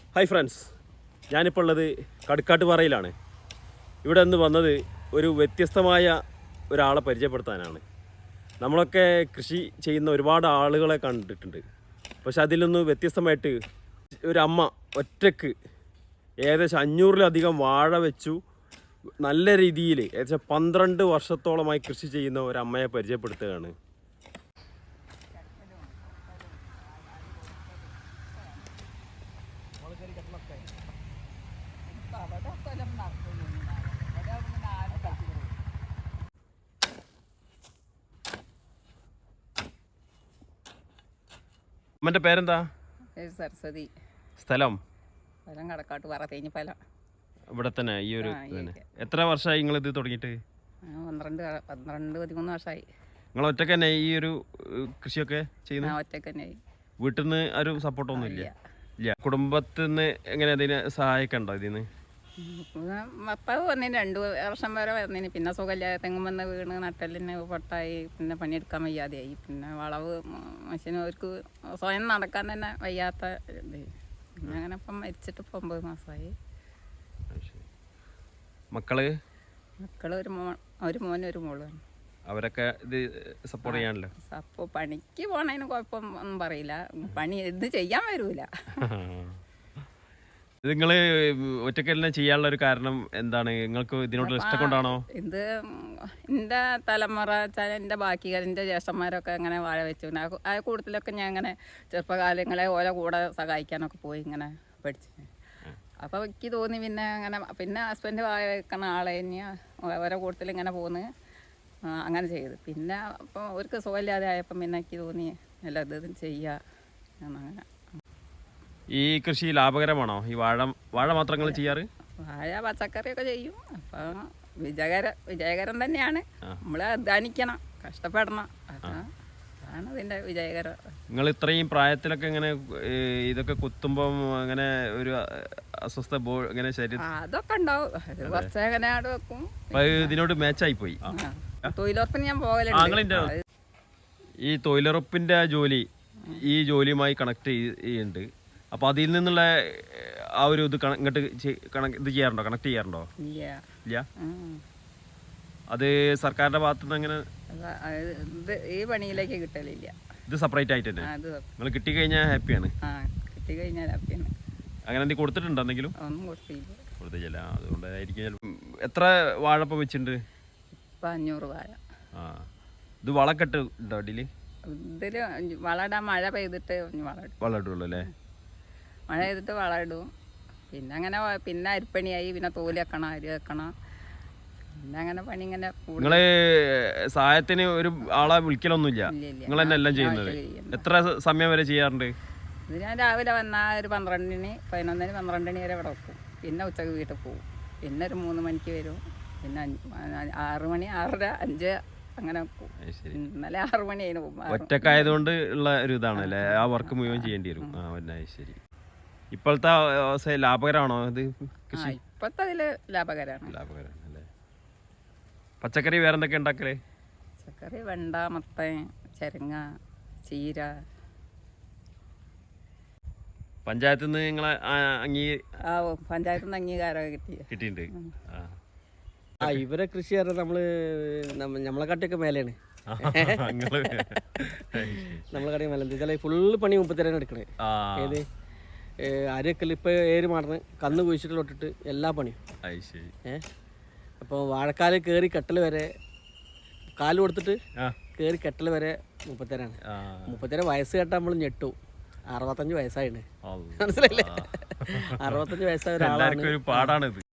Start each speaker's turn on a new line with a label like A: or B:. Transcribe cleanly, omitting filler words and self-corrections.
A: Hi friends, ഞാനിപ്പോൾ ഉള്ളത് കടുക്കാട്ടുപാറയിലാണ്. ഇവിടെ നിന്ന് വന്നത് ഒരു വ്യത്യസ്തമായ ഒരാളെ പരിചയപ്പെടുത്താനാണ്. നമ്മളൊക്കെ കൃഷി ചെയ്യുന്ന ഒരുപാട് ആളുകളെ കണ്ടിട്ടുണ്ട്. പക്ഷെ അതിൽ നിന്ന് വ്യത്യസ്തമായിട്ട് ഒരു അമ്മ ഒറ്റക്ക് ഏകദേശം 500-ലധികം വാഴ വെച്ചു നല്ല രീതിയിൽ ഏകദേശം 12 വർഷത്തോളമായി കൃഷി ചെയ്യുന്ന ഒരു അമ്മയെ പരിചയപ്പെടുത്തുകയാണ്. അമ്മൻ്റെ പേരെന്താ?
B: സരസ്വതി.
A: സ്ഥലം?
B: ഫലം കടക്കാട്ടുപാറ തേഞ്ഞിപ്പലം.
A: ഇവിടെ തന്നെ ഈ ഒരു എത്ര വർഷമായി നിങ്ങൾ ഇത് തുടങ്ങിയിട്ട്?
B: 12-13 വർഷമായി.
A: നിങ്ങൾ ഒറ്റക്ക് തന്നെ ഈ ഒരു കൃഷിയൊക്കെ ചെയ്യുന്നത്?
B: ഒറ്റക്ക് തന്നെ.
A: വീട്ടിൽ നിന്ന് ഒരു സപ്പോർട്ടൊന്നും ഇല്ല? ഇല്ല. കുടുംബത്തിൽ നിന്ന് എങ്ങനെ അതിനെ സഹായിക്കണ്ടോ ഇതിന്?
B: ഭർത്താവ് വന്നതിന് 2 വർഷം വരെ വന്നതിന്, പിന്നെ സുഖമില്ലാതെ തെങ്ങും വന്ന് വീണ് നട്ടലിന് പൊട്ടായി, പിന്നെ പണിയെടുക്കാൻ വയ്യാതെയായി. പിന്നെ വളവ് മനുഷ്യന് അവർക്ക് സ്വയം നടക്കാൻ തന്നെ വയ്യാത്ത ഇത്. പിന്നെ അങ്ങനെ ഇപ്പം മരിച്ചിട്ട് 9 മാസമായി.
A: മക്കള്
B: ഒരു മോനും ഒരു മോളും. അവരൊക്കെ
A: ഇത് സപ്പോർട്ട് ചെയ്യാനല്ലോ?
B: അപ്പോൾ പണിക്ക് പോണതിന് കുഴപ്പമൊന്നും പറയില്ല, പണി ഇത് ചെയ്യാൻ വരൂല.
A: നിങ്ങൾ ഒറ്റക്കലിനെ ചെയ്യാനുള്ള ഒരു കാരണം എന്താണ്? നിങ്ങൾക്ക് ഇതിനോട് ഇഷ്ടം കൊണ്ടാണോ?
B: ഇത് എൻ്റെ തലമുറ വെച്ചാൽ എൻ്റെ ബാക്കി എൻ്റെ ജ്യേഷ്ഠന്മാരൊക്കെ അങ്ങനെ വാഴ വെച്ചു. ആ കൂട്ടത്തിലൊക്കെ ഞാൻ ഇങ്ങനെ ചെറുപ്പകാലങ്ങളെ ഓരോ കൂടെ സഹായിക്കാനൊക്കെ പോയി ഇങ്ങനെ പഠിച്ചു. അപ്പോൾ എനിക്ക് തോന്നി പിന്നെ ഹസ്ബൻഡ് വാഴ വെക്കണ ആളെ ഇനി ഓരോ കൂട്ടത്തിൽ ഇങ്ങനെ പോന്ന് അങ്ങനെ ചെയ്തു. പിന്നെ അപ്പോൾ അവർക്ക് സുഖമില്ലാതെ ആയപ്പം പിന്നെ എനിക്ക് തോന്നി എല്ലാ ഇതും ചെയ്യുക അങ്ങനെ.
A: ഈ കൃഷി ലാഭകരമാണോ? ഈ വാഴ മാത്രങ്ങൾ ചെയ്യാറ്?
B: വാഴ പച്ചക്കറിയൊക്കെ ചെയ്യും. അപ്പം വിജയകരം തന്നെയാണ്. നമ്മൾ അധ്വാനിക്കണം, കഷ്ടപ്പെടണം, അതാണ് ഇതിൻ്റെ വിജയകരം.
A: നിങ്ങൾ ഇത്രയും പ്രായത്തിലൊക്കെ ഇങ്ങനെ ഇതൊക്കെ കുത്തുമ്പം അങ്ങനെ ഒരു അസ്വസ്ഥ ഇങ്ങനെ ശരീരം
B: അതൊക്കെ ഉണ്ടാവും. കുറച്ച് അങ്ങനെ ആട് വെക്കും.
A: ഇതിനോട് മാച്ചായി പോയി.
B: തൊഴിലുറപ്പിന് ഞാൻ പോകലുണ്ട്.
A: ഈ തൊഴിലുറപ്പിന്റെ ജോലി ഈ ജോലിയുമായി കണക്ട് ചെയ്യുന്നുണ്ട്. അപ്പൊ അതിൽ നിന്നുള്ള ആ ഒരു ഇത് ഇങ്ങോട്ട് ഇത് ചെയ്യാറുണ്ടോ? കണക്ട് ചെയ്യാറുണ്ടോ? ഇല്ല. അത് സർക്കാരിന്റെ ഭാഗത്തു നിന്ന് അങ്ങനെ
B: ഈ പണിയിലേക്ക് കിട്ടലില്ല.
A: ഇത് സെപ്പറേറ്റ് ആയിട്ട് തന്നെ നിങ്ങൾ കിട്ടിക്കഴിഞ്ഞാൽ ഹാപ്പിയാണ്? അങ്ങനെ എന്തെങ്കിലും കൊടുത്തിട്ടുണ്ടോ? എന്തെങ്കിലും കൊടുത്തില്ല. അതുകൊണ്ടായിരിക്കും. എത്ര വാഴപ്പം വെച്ചിട്ടുണ്ട്?
B: 500 വാഴ.
A: ഇത് വളക്കെട്ട് ഉണ്ടോ അടിയില്?
B: ഇതില് വളടാൻ മഴ പെയ്തിട്ട്
A: വളം ഇടുള്ളൂ അല്ലേ?
B: മഴ ചെയ്തിട്ട് വളം ഇടും. പിന്നെ അരിപ്പണിയായി, പിന്നെ തോല് വെക്കണം, അരി വെക്കണം, പിന്നെ അങ്ങനെ പണി ഇങ്ങനെ.
A: നിങ്ങള് സഹായത്തിന് ഒരു ആളെ വിളിക്കലൊന്നുമില്ല? നിങ്ങൾ തന്നെ എല്ലാം ചെയ്യുന്നത്? എത്ര സമയം വരെ ചെയ്യാറുണ്ട്?
B: ഇത് ഞാൻ രാവിലെ വന്നാൽ ഒരു 12-ന് 11-ന് 12 വരെ ഇവിടെ വെക്കും. പിന്നെ ഉച്ചക്ക് വീട്ടിൽ പോകും. പിന്നെ ഒരു 3 മണിക്ക് വരും. പിന്നെ 6 മണി, 6:30, 5 അങ്ങനെ വെക്കും. ഇന്നലെ 6 മണിയായിരുന്നു പോകും.
A: ഒറ്റക്കായതുകൊണ്ട് ഉള്ള ഒരു ഇതാണ് അല്ലേ? ആ വർക്ക് മുഴുവൻ ചെയ്യേണ്ടി വരും. ശരി. ഇപ്പോഴത്തെ ലാഭകരമാണോ ഇത് കൃഷി?
B: ഇപ്പോഴത്തെ അതില് ലാഭകരമാണ്
A: അല്ലേ? പച്ചക്കറി വേറെ എന്തൊക്കെ ഉണ്ടാക്കലേ?
B: പച്ചക്കറി വെണ്ട, മത്തൻ, ചെരങ്ങ, ചീര.
A: പഞ്ചായത്തിൽ നിന്ന് നിങ്ങളെ
B: പഞ്ചായത്തിൽ നിന്ന് അംഗീകാരമൊക്കെ
A: കിട്ടിയിട്ടുണ്ട്.
C: ഇവരെ കൃഷി നമ്മള് നമ്മളെ കാട്ടിയൊക്കെ മേലെയാണ്. നമ്മളെ കാട്ടി മേലെ എന്താ ഫുള്ള് പണി 30 എടുക്കണേ. ഏത് അരിയൊക്കെ ഇപ്പൊ 7 മാടന്ന് കന്ന് കുഴിച്ചിട്ട് എല്ലാ പണിയും. അപ്പോൾ വാഴക്കാല് കയറി കെട്ടൽ വരെ കാല് കൊടുത്തിട്ട് കയറി കെട്ടൽ വരെ 30 30 വയസ്സ് കേട്ടാൽ നമ്മൾ ഞെട്ടു. 65 വയസ്സായിട്ടുണ്ട്. മനസ്സിലായില്ലേ? 65 വയസ്സായ ഒരാളാണ്.